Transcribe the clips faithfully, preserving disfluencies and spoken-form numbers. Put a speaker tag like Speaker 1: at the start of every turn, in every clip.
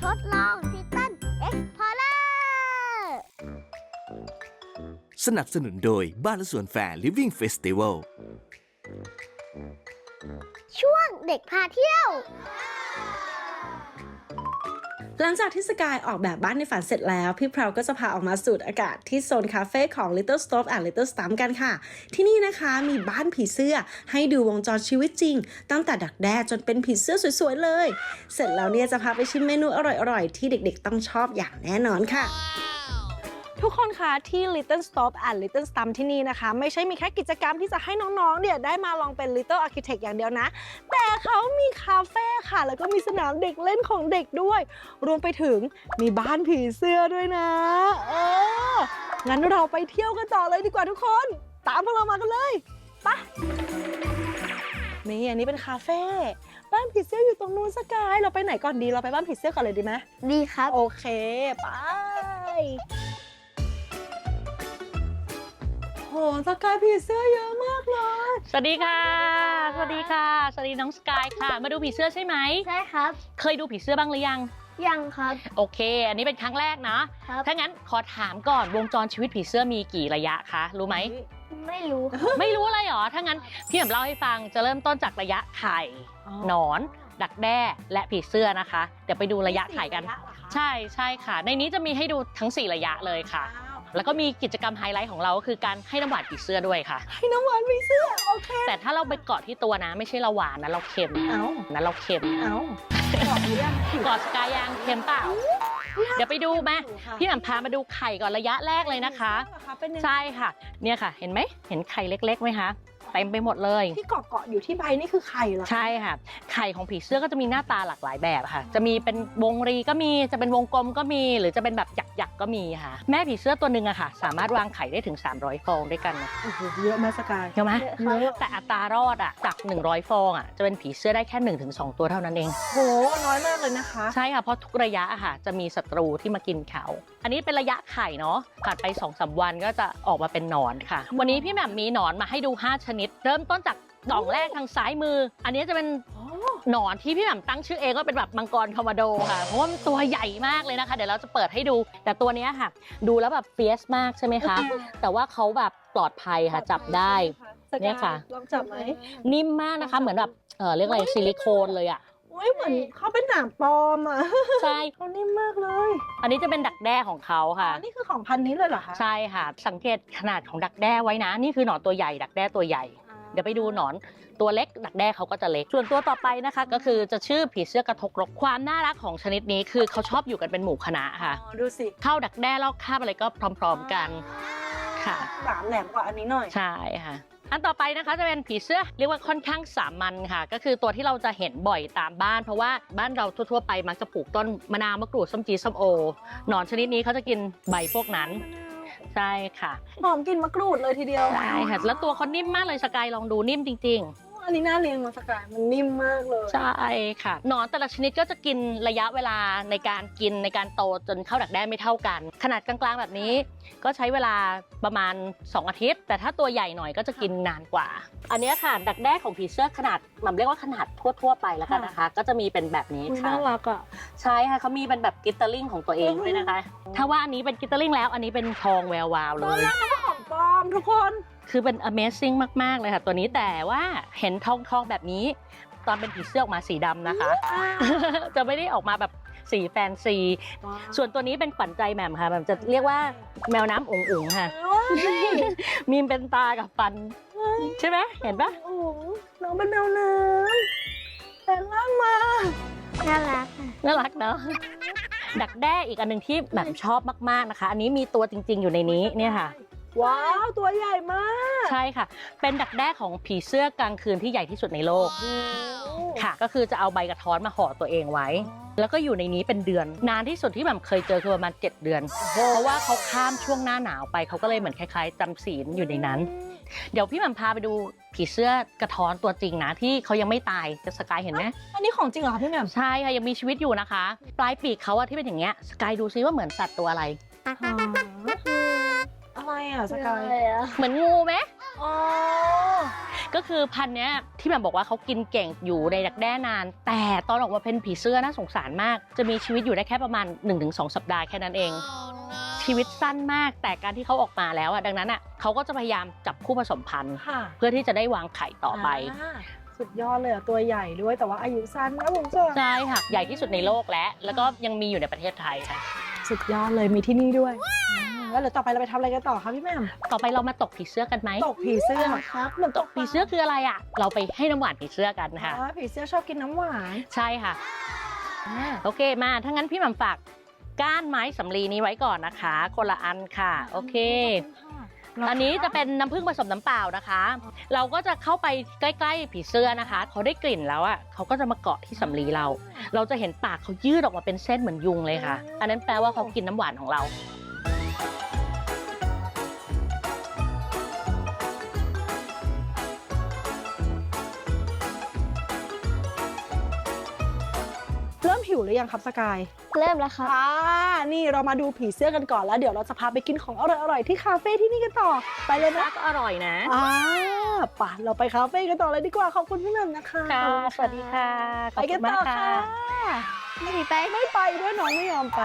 Speaker 1: ทดลองทิตันเอ็กพอร์เลอร์
Speaker 2: สนับสนุนโดยบ้านและสวนแฟร์ Living Festival
Speaker 1: ช่วงเด็กพาเที่ยว
Speaker 3: หลังจากที่สกายออกแบบบ้านในฝันเสร็จแล้วพี่เพราก็จะพาออกมาสูดอากาศที่โซนคาเฟ่ของ Little Stove and Little Stump กันค่ะที่นี่นะคะมีบ้านผีเสื้อให้ดูวงจรชีวิตจริงตั้งแต่ดักแด้จนเป็นผีเสื้อสวยๆเลยเสร็จแล้วเนี่ยจะพาไปชิมเมนูอร่อยๆที่เด็กๆต้องชอบอย่างแน่นอนค่ะทุกคนคะที่ Little Stove and Little Stump ที่นี่นะคะไม่ใช่มีแค่กิจกรรมที่จะให้น้องๆเนี่ยได้มาลองเป็น Little Architect อย่างเดียวนะแต่เขามีคาเฟ่ค่ะแล้วก็มีสนามเด็กเล่นของเด็กด้วยรวมไปถึงมีบ้านผีเสื้อด้วยนะเอองั้นเราไปเที่ยวกันต่อเลยดีกว่าทุกคนตามพวกเรามากันเลยไปนี่อันนี้เป็นคาเฟ่บ้านผีเสื้ออยู่ตรงนู้นสกายเราไปไหนก่อนดีเราไปบ้านผีเสื้อก่อนเลยดีไหม
Speaker 1: ดีครับ
Speaker 3: โอเคไปโหสกายผีเสื้อเยอะมากเลย
Speaker 4: สวัสดีค่ะ สวัสดีค่ะ สวัสดีน้องสกายค่ะ มาดูผีเสื้อใช่ไหม
Speaker 1: ใช่ครับ
Speaker 4: เคยดูผีเสื้อบ้างหรือยัง
Speaker 1: ยังครับ
Speaker 4: โอเค อันนี้เป็นครั้งแรกนะครับ ถ้างั้นขอถามก่อนวงจรชีวิตผีเสื้อมีกี่ระยะคะ รู้ไหม
Speaker 1: ไม่รู้
Speaker 4: ไม่รู้อะไรหรอ ถ้างั้นพี่แหม่มเล่าให้ฟัง จะเริ่มต้นจากระยะไข่ หนอน ดักแด้ และผีเสื้อนะคะ เดี๋ยวไปดูระยะไข่กัน ใช่ใช่ค่ะ ในนี้จะมีให้ดูทั้งสี่ระยะเลยค่ะ แล้วก็มีกิจกรรมไฮไลท์ของเราก็คือการให้น้ำหวานผีเสื้อด้วยค่ะ
Speaker 3: ให้น้ำหวานผีเสื้อโอเค
Speaker 4: แต่ถ้าเราไปเกาะที่ตัวนะ ไม่ใช่เราหวานนะเราเค็ม
Speaker 3: เอ้า
Speaker 4: นะเราเค็ม
Speaker 3: เอ้าบอกหรือยัง
Speaker 4: เกาะสกายยางเค็มเปล่า เดี๋ยวไปดูมาพี่แหม่มพามาดูไข่ก่อนระยะแรกเลยนะคะ ใช่ค่ะ เนี่ยค่ะ เห็นไหมเห็นไข่เล็กๆไหมคะเต็มไปหมดเลย
Speaker 3: ที่เกาะเกาะอยู่ที่ใบนี่คือไข่เหรอ
Speaker 4: ใช่ค่ะ ไข่ของผีเสื้อก็จะมีหน้าตาหลากหลายแบบค่ะ จะมีเป็นวงรีก็มี จะเป็นวงกลมก็มี หรือจะเป็นแบบหยักๆก็มีค่ะ แม่ผีเสื้อตัวหนึ่งอะค่ะ สามารถวางไข่ได้ถึงสามร้อยฟองด้วยกันนะ
Speaker 3: โอ้โหเยอะไหมสกาย
Speaker 4: เห็นไหม
Speaker 3: เยอะ
Speaker 4: แต่อัตรารอดอะจากหนึ่งร้อยฟองอะจะเป็นผีเสื้อได้แค่ หนึ่งถึงสอง ตัวเท่านั้นเอง
Speaker 3: โหน้อยมากเลยนะคะ
Speaker 4: ใช่ค่ะ เพราะทุกระยะอะค่ะจะมีศัตรูที่มากินเขา อันนี้เป็นระยะไข่เนาะผ่านไป สองสาม วันก็จะออกมาเป็นหนอนค่ะ วันนี้พี่แหม่มมีหนอนมาให้ดูห้าชนิด เริ่มต้นจากกล่องแรกทางซ้ายมือ อันนี้จะเป็นหนอนที่พี่แหม่มตั้งชื่อเองว่าเป็นแบบมังกรคอมโมโดค่ะ เพราะว่ามันตัวใหญ่มากเลยนะคะ เดี๋ยวเราจะเปิดให้ดู แต่ตัวเนี้ยค่ะ ดูแล้วแบบเฟียสมากใช่ไหมคะ แต่ว่าเขาแบบปลอดภัยค่ะจับได้ เนี่ยค่ะ
Speaker 3: ลองจับไหม
Speaker 4: นิ่มมากนะคะ เหมือนแบบเออเรียกอะไรซิลิโคนเลยอะ
Speaker 3: โอ้ยเหมือนเขาเป็นหนังปลอมอ่ะ
Speaker 4: ใช่
Speaker 3: เขานิ่มมากเลย
Speaker 4: อันนี้จะเป็นดักแด้ของเขาค่ะ
Speaker 3: อ๋อนี่คือของพันนี้เลยเหรอคะ
Speaker 4: ใช่ค่ะ สังเกตขนาดของดักแด้ไว้นะ นี่คือหนอนตัวใหญ่ ดักแด้ตัวใหญ่ เดี๋ยวไปดูหนอนตัวเล็ก ดักแด้เขาก็จะเล็ก ส่วนตัวต่อไปนะคะ ก็คือจะชื่อผีเสื้อกระทกรกความน่ารักของชนิดนี้คือเขาชอบอยู่กันเป็นหมู่คณะค่ะ
Speaker 3: อ๋อดูสิ
Speaker 4: เข้าดักแด้แล้วคาบอะไรก็พร้อมๆกันค่ะ
Speaker 3: หลามแหลมกว่าอันนี้หน่อย
Speaker 4: ใช่ค่ะ อันต่อไปนะคะจะเป็นผีเสื้อเรียกว่าค่อนข้างสามัญค่ะ ก็คือตัวที่เราจะเห็นบ่อยตามบ้าน เพราะว่าบ้านเราทั่วๆไปมักจะปลูกต้นมะนาวมะกรูดส้มจีส้มโอหนอนชนิดนี้เขาจะกินใบพวกนั้นใช่ค่ะ
Speaker 3: หอมกลิ่นมะกรูดเลยทีเดียว
Speaker 4: ใช่ค่ะแล้วตัวเขานิ่มมากเลยสกายลองดูนิ่มจริง
Speaker 3: อันนี้น่าเลี้ยงมาสกายมันนิ่มมากเลย
Speaker 4: ๆ ใช่ค่ะหนอนแต่ละชนิดก็จะกินระยะเวลาในการกินในการโตจนเข้าดักแด้ไม่เท่ากัน ขนาดกลางๆแบบนี้ ก็ใช้เวลาประมาณสองอาทิตย์ แต่ถ้าตัวใหญ่หน่อยก็จะกินนานกว่า อันนี้ค่ะดักแด้ของผีเสื้อขนาดมันเรียกว่าขนาดทั่วๆไปแล้วกันนะคะ ก็จะมีเป็นแบบนี้
Speaker 3: อุ๊ย
Speaker 4: ค่ะ
Speaker 3: น่ารักอ่ะ
Speaker 4: ใช่ค่ะเขามีเป็นแบบกิตเตอร์ลิงของตัวเองด้วยนะคะ ถ้าว่าอันนี้เป็นกิตเตอร์ลิงแล้วอันนี้เป็นทองแวววาวเลย
Speaker 3: ของปลอมทุกคน
Speaker 4: คือเป็น Amazing มากๆเลยค่ะตัวนี้แต่ว่าเห็นทองทองแบบนี้ ตอนเป็นผีเสื้อออกมาสีดำนะคะ จะไม่ได้ออกมาแบบสีแฟนซี ส่วนตัวนี้เป็นขวัญใจแหม่มค่ะแหม่มจะเรียกว่าแมวน้ำอุ๋งอุ๋งค่ะ มีเป็นตากับฟัน ใช่ไหมเห็นปะ
Speaker 3: โอ้โหน้องเป็นแมวน้ำแต่ล่างมา
Speaker 1: น่ารักค่ะ
Speaker 4: น่ารักเนาะดักแด้อีกอันหนึ่งที่แหม่มชอบมากๆนะคะ อันนี้มีตัวจริงๆอยู่ในนี้เนี่ยค่ะ
Speaker 3: ว้าวตัวใหญ่มาก
Speaker 4: ใช่ค่ะ เป็นดักแด้ของผีเสื้อกลางคืนที่ใหญ่ที่สุดในโลกค่ะ ก็คือจะเอาใบกระท้อนมาห่อตัวเองไว้ แล้วก็อยู่ในนี้เป็นเดือน นานที่สุดที่แบบเคยเจอคือประมาณเจ็ดเดือน เพราะว่าเขาข้ามช่วงหน้าหนาวไปเขาก็เลยเหมือนคล้ายๆจำศีลอยู่ในนั้น เดี๋ยวพี่แหม่มพาไปดูผีเสื้อกระท้อนตัวจริงนะที่เขายังไม่ตายจะสกายเห็นไหม
Speaker 3: อันนี้ของจริงเหรอพี่แหม่ม
Speaker 4: ใช่ค่ะยังมีชีวิตอยู่นะคะ ปลายปีกเขาอะที่เป็นอย่างเงี้ยสกายดูซิว่าเหมือนสัตว์ตัวอะไร
Speaker 3: อะไรอ่ะสกาย
Speaker 1: เลยอะ
Speaker 4: เหมือนงูไหม
Speaker 3: อ๋อ
Speaker 4: ก็คือพันธุ์เนี้ยที่แบบบอกว่าเขากินเก่งอยู่ในดักแด้นาน แต่ตอนออกมาเป็นผีเสื้อน่าสงสารมากจะมีชีวิตอยู่ได้แค่ประมาณ หนึ่งถึงสอง สัปดาห์แค่นั้นเอง ชีวิตสั้นมากแต่การที่เขาออกมาแล้วอ่ะดังนั้นอ่ะเขาก็จะพยายามจับคู่ผสมพันธุ์
Speaker 3: ค่ะ
Speaker 4: เพื่อที่จะได้วางไข่ต่อไป
Speaker 3: อ่าสุดยอดเลยอะตัวใหญ่ด้วยแต่ว่าอายุสั้นนะผมเจอ
Speaker 4: ใช่ค่ะใหญ่ที่สุดในโลกและแล้วก็ยังมีอยู่ในประเทศไทยค่ะ
Speaker 3: สุดยอดเลยมีที่นี่ด้วยอืมแล้วเดี๋ยวต่อไปเราไปทำอะไรกันต่อคะพี่แหม่ม
Speaker 4: ต่อไปเรามาตกผีเสื้อกันไหม
Speaker 3: ตกผีเสื้อครับเหมือน
Speaker 4: ตกผีเสื้อคืออะไรอ่ะเราไปให้น้ำหวานผีเสื้อกันค่ะ
Speaker 3: อ๋อผีเสื้อชอบกินน้ำหวาน
Speaker 4: ใช่ค่ะ
Speaker 3: อ่า
Speaker 4: โอเคมาถ้างั้นพี่หม่ำฝากก้านไม้สำลีนี้ไว้ก่อนนะคะคนละอันค่ะโอเค อันนี้จะเป็นน้ำผึ้งผสมน้ำเปล่านะคะ เราก็จะเข้าไปใกล้ๆผีเสื้อนะคะเขาได้กลิ่นแล้วอ่ะเขาก็จะมาเกาะที่สำลีเรา เราจะเห็นปากเขายืดออกมาเป็นเส้นเหมือนยุงเลยค่ะ อันนั้นแปลว่าเขากินน้ำหวานของเรา
Speaker 3: เริ่มหิวหรือยังครับสกาย
Speaker 1: เริ่มแล้วครับ
Speaker 3: อ่านี่เรามาดูผีเสื้อกันก่อนแล้วเดี๋ยวเราจะพาไปกินของอร่อยๆที่คาเฟ่ที่นี่กันต่อไปเลยนะ
Speaker 4: ก็อร่อยนะ
Speaker 3: อ่าป่ะเราไปคาเฟ่กันต่อเลยดีกว่าขอบคุณพี่แหม่มนะคะ
Speaker 4: ค่ะสวัสดีค่ะข
Speaker 3: ไป
Speaker 4: อบ
Speaker 3: กั
Speaker 4: คุ
Speaker 3: น
Speaker 4: ณ
Speaker 3: ต่
Speaker 4: มา
Speaker 3: อก
Speaker 4: ค่ะ
Speaker 3: ค่ะ
Speaker 1: ไม่ดีไป
Speaker 3: ไม่ไปด้วยน้องไม่ยอมไป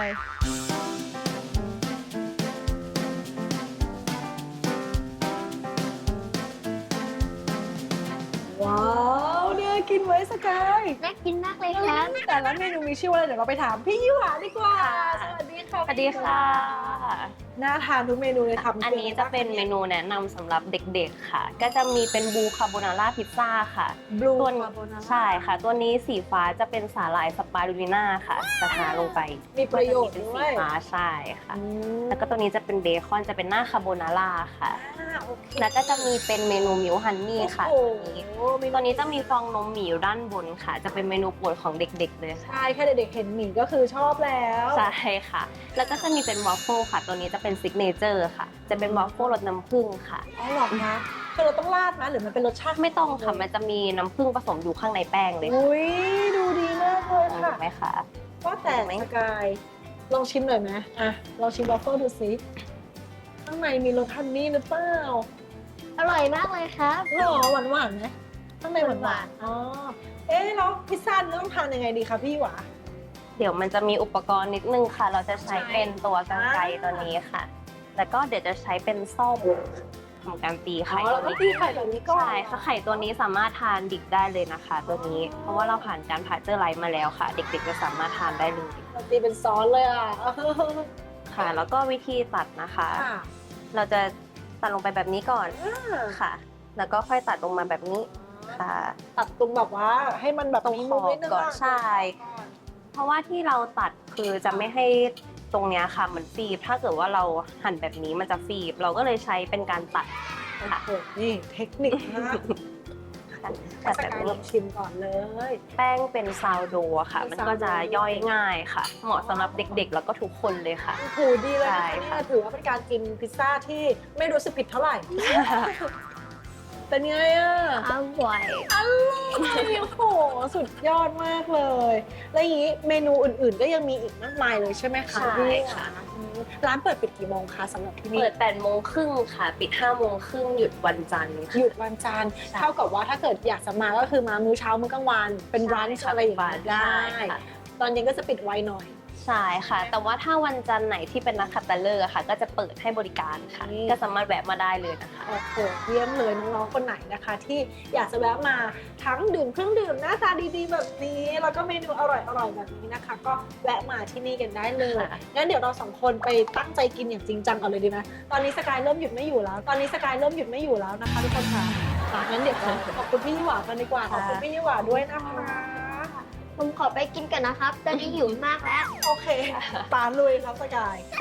Speaker 3: ว้าวเนี่ยกินไว้สกาย
Speaker 1: น่ากินมากเลยครับ
Speaker 3: แต่ละเมนูมีชื่อว่าอะไรเดี๋ยวเราไปถามพี่ยี่หวาดีกว่า สวัสดีค่ะ
Speaker 5: สวัสดีค่ะ
Speaker 3: น่าทานทุกเมนูเลยทำ
Speaker 5: อันนี้จะเป็นเมนูแนะนำสำหรับเด็กๆค่ะ ก็จะมีเป็นบูคาโบนาร่าพิซซ่าค่ะ
Speaker 3: บลู
Speaker 5: ตัว
Speaker 3: คาโบนาร่า
Speaker 5: ใช่ค่ะ ตัวนี้สีฟ้าจะเป็นสาหร่ายสปารูลิน่าค่ะ จะทาลงไป
Speaker 3: มีประโยชน์
Speaker 5: เป็น
Speaker 3: ด้
Speaker 5: สี
Speaker 3: วย
Speaker 5: ฟ้าใช่ค่ะ
Speaker 3: อืม
Speaker 5: แล้วก็ตัวนี้จะเป็นเบคอนจะเป็นหน้าคาโบนาร่าค่ะ
Speaker 3: อ่าโอเค
Speaker 5: แล้วก็จะมีเป็นเมนูมิลฮันนี่ค่ะ
Speaker 3: โอ้
Speaker 5: ตัว
Speaker 3: โห
Speaker 5: นี้
Speaker 3: มี
Speaker 5: ตัวนี้จะมีฟองนมหมีอยู่ด้านบนค่ะ จะเป็นเมนูโปรดของเด็กๆเลยค่ะ
Speaker 3: ใช่แค่เด็กๆเห็นหมี่ก็คือชอบแล้ว
Speaker 5: ใช่ค่ะ แล้วก็จะมีเป็นวอฟเฟิลค่ะ ตัวนี้จะเป็นซิกเนเจอร์ค่ะ จะเป็นวอฟเฟิลรสน้ำผึ้งค่ะ
Speaker 3: อ๋อเหรอคะคือเราต้องราดไหมหรือมันเป็นรสชาติ
Speaker 5: ไม่ต้องค่ะ มันจะมีน้ำผึ้งผสมอยู่ข้างในแป้งเลยค่ะ
Speaker 3: อุ้ยดูดีมากเลย
Speaker 5: ถู
Speaker 3: ค่ะ
Speaker 5: กไหมคะ
Speaker 3: ว่าแต่สกายลองชิมหน่อยไหมอ่ะลองชิมวอฟเฟิลดูสิข้างในมีรสฮันนี่หรือเปล่า
Speaker 1: อร่อยมากเลยครับ
Speaker 3: หรอหวานหวานๆไหมข้างในหวานหวานๆอ๋อเอ๊ะแล้วพิซซ่านี่ต้องทานยังไงดีคะพี่หวา
Speaker 5: เดี๋ยวมันจะมีอุปกรณ์นิดนึงค่ะ เราจะใช้เป็นตัวกรรไกรตัวนี้ค่ะ แล้วก็เดี๋ยวจะใช้เป็นส้อมทำการตี
Speaker 3: อ๋
Speaker 5: ไข่
Speaker 3: อเราต้องตีไข่แบบนี้ก่อน
Speaker 5: ใช่ค่ะไข่ตัวนี้สามารถทานดิบได้เลยนะคะ ตัวนี้ เพราะว่าเราผ่านการผ่าเจอร์ไลท์มาแล้วค่ะ เด็กๆจะสามารถทานได้เลย
Speaker 3: เราตีเป็นซอสเลยอ่ะ
Speaker 5: ค่ะ แล้วก็วิธีตัดนะคะ
Speaker 3: ค่ะ
Speaker 5: เราจะตัดลงไปแบบนี้ก่อนค่ะ แล้วก็ค่อยตัดลงมาแบบนี้ค่ะ
Speaker 3: ตัดตรงแบบว่าให้มันแบบ
Speaker 5: ตรง
Speaker 3: มี
Speaker 5: ข
Speaker 3: มุ
Speaker 5: อ
Speaker 3: ม
Speaker 5: บ
Speaker 3: นิดนึง
Speaker 5: ก่อน
Speaker 3: อะ
Speaker 5: ใช่ เพราะว่าที่เราตัดคือจะไม่ให้ตรงเนี้ยค่ะมันฟีบถ้าเกิดว่าเราหั่นแบบนี้มันจะฟีบ เราก็เลยใช้เป็นการตัดค่ะ
Speaker 3: โอ้โหนี่เทคนิคมาก
Speaker 5: ตัด
Speaker 3: ส
Speaker 5: แบบ
Speaker 3: กายล
Speaker 5: นี้
Speaker 3: องชิมก่อนเลย
Speaker 5: แป้งเป็นซาวโดอะค่ะ มันก็จะย่อยง่ายค่ะ เหมาะสำหรับเด็กๆ แล้วก็ทุกคนเลยค่ะ
Speaker 3: โอ้โหดีเลย
Speaker 5: ใช่
Speaker 3: นะคะ
Speaker 5: ค่ะ
Speaker 3: เนี่ยถือว่าเป็นการกินพิซซ่าที่ไม่รู้สึกผิดเท่าไหร่ เป็นไงอ่ะ
Speaker 1: อร่อย
Speaker 3: อร่อยโอ้โหสุดยอดมากเลย แล้วอย่างนี้เมนูอื่นๆ ก็ยังมีอีกมากมายเลยใช่ไหมคะ
Speaker 5: ใช่
Speaker 3: พี่
Speaker 5: ค่ะ
Speaker 3: อืมร้านเปิดปิดกี่โมงคะสำหรับที่นี่
Speaker 5: เปิดแปดโมงครึ่งค่ะ ปิดห้าโมงครึ่งหยุดวันจันทร์
Speaker 3: ห
Speaker 5: ค่ะ
Speaker 3: ยุดวันจันทร์เท่ากับว่าถ้าเกิดอยากจะมาก็คือมามื้อเช้ามื้อกลางวันเป็นร้าน
Speaker 5: ใช่ค่ะ
Speaker 3: อะไรอย่างเงี้ยได้
Speaker 5: ใช่ค่ะ
Speaker 3: ตอนเย็นก็จะปิดไวหน่อย
Speaker 5: ใช่ค่ะ แต่ว่าถ้าวันจันทร์ไหนที่เป็นนักขัตฤกษ์อะค่ะ ก็จะเปิดให้บริการค่ะ
Speaker 3: นี่
Speaker 5: ก็สามารถแวะมาได้เลยนะคะ
Speaker 3: โอ้โหเยี่ยมเลยน้องๆคนไหนนะคะ ที่อยากจะแวะมาทั้งดื่มเครื่องดื่มหน้าตาดีๆ แบบนี้ แล้วก็เมนูอร่อยๆแบบนี้นะคะ ก็แวะมาที่นี่กันได้เลย
Speaker 5: ค่ะ
Speaker 3: งั้นเดี๋ยวเราสองคนไปตั้งใจกินอย่างจริงจังกันเลยดีไหมตอนนี้สกายเริ่มหยุดไม่อยู่แล้ว ตอนนี้สกายเริ่มหยุดไม่อยู่แล้วนะคะทุกคนค่ะอ่ะงั้นเดี๋ยวเราขอบคุณพี่ยี่หวากันดีกว่าขอบคุณพี่ยี่หวาด้วยนะคะ
Speaker 1: ผมขอไปกินกันนะครับ ตอนนี้หิวมากแล้ว
Speaker 3: โอเคปาลุยครับสกาย
Speaker 5: ค่ะ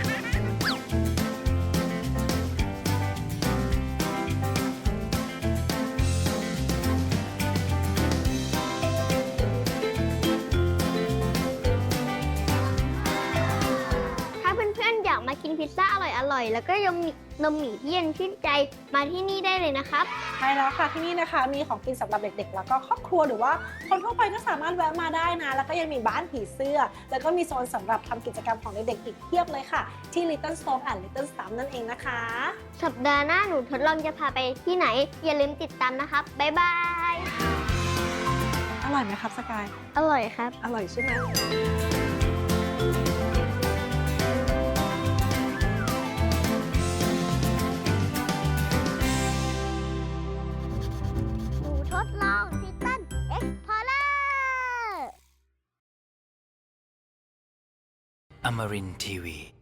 Speaker 1: ถ้าเพื่อนๆอยากมากินพิซซ่าอร่อยๆ แล้วก็ยังมีนมหมี่ที่เย็นชื่นใจมาที่นี่ได้เลยนะครับ
Speaker 3: ช่แล้วค่ะที่นี่นะคะมีของกินสำหรับเด็กๆแล้วก็ครอบครัวหรือว่าคนทั่วไปก็สามารถแวะมาได้นะแล้วก็ยังมีบ้านผีเสื้อแล้วก็มีโซนสำหรับทำกิจกรรมของเด็กๆอีกเพียบเลยค่ะที่ Little Stove and Little Stump นั่นเองนะคะ
Speaker 1: สัปดาห์หน้าหนูทดลองจะพาไปที่ไหน อย่าลืมติดตามนะครับ บ๊ายบาย
Speaker 3: อร่อยไหมครับสกาย
Speaker 1: อร่อยครับ
Speaker 3: อร่อยใช่ไหม
Speaker 1: หนูทดลองทิตันเอ็กพอร์เลอร์
Speaker 2: Amarin Tiwi